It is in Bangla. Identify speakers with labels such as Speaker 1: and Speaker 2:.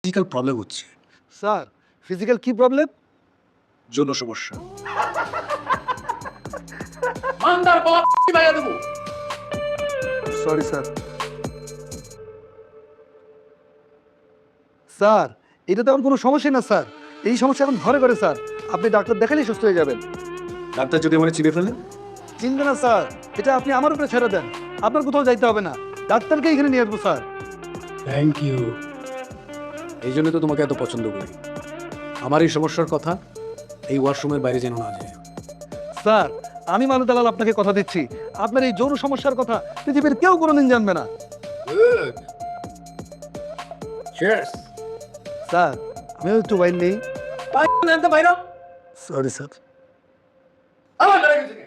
Speaker 1: ফিজিক্যাল প্রবলেম হচ্ছে,
Speaker 2: স্যার ফিজিক্যাল কি প্রবলেম?
Speaker 1: যৌন সমস্যা।
Speaker 2: Sorry sir. স্যার এটা তো এখন কোনো সমস্যা না স্যার, এই সমস্যা এখন ঘরে ঘরে স্যার, আপনি ডাক্তার দেখালেই সুস্থ হয়ে যাবেন।
Speaker 1: ডাক্তার যদি মানে চিনে ফেলে?
Speaker 2: চিনবে না স্যার, এটা আপনি আমার উপরে ছেড়ে দেন, আপনার কোথাও যাইতে হবে না, ডাক্তারকে এখানে নিয়ে আসবো স্যার।
Speaker 1: Thank you. এই জন্য তো তোমাকে এত পছন্দ করি। আমার এই সমস্যার কথা এই ওয়াশরুমের বাইরে যেন না যায়।
Speaker 2: স্যার আমি মানু দালাল আপনাকে কথা দিচ্ছি, আপনার এই যৌন সমস্যার কথা পৃথিবীর কেউ কোনোদিন জানবে না।
Speaker 1: চিয়ার্স।
Speaker 2: স্যার আমিও একটু ওয়াইন নেই। Sorry sir.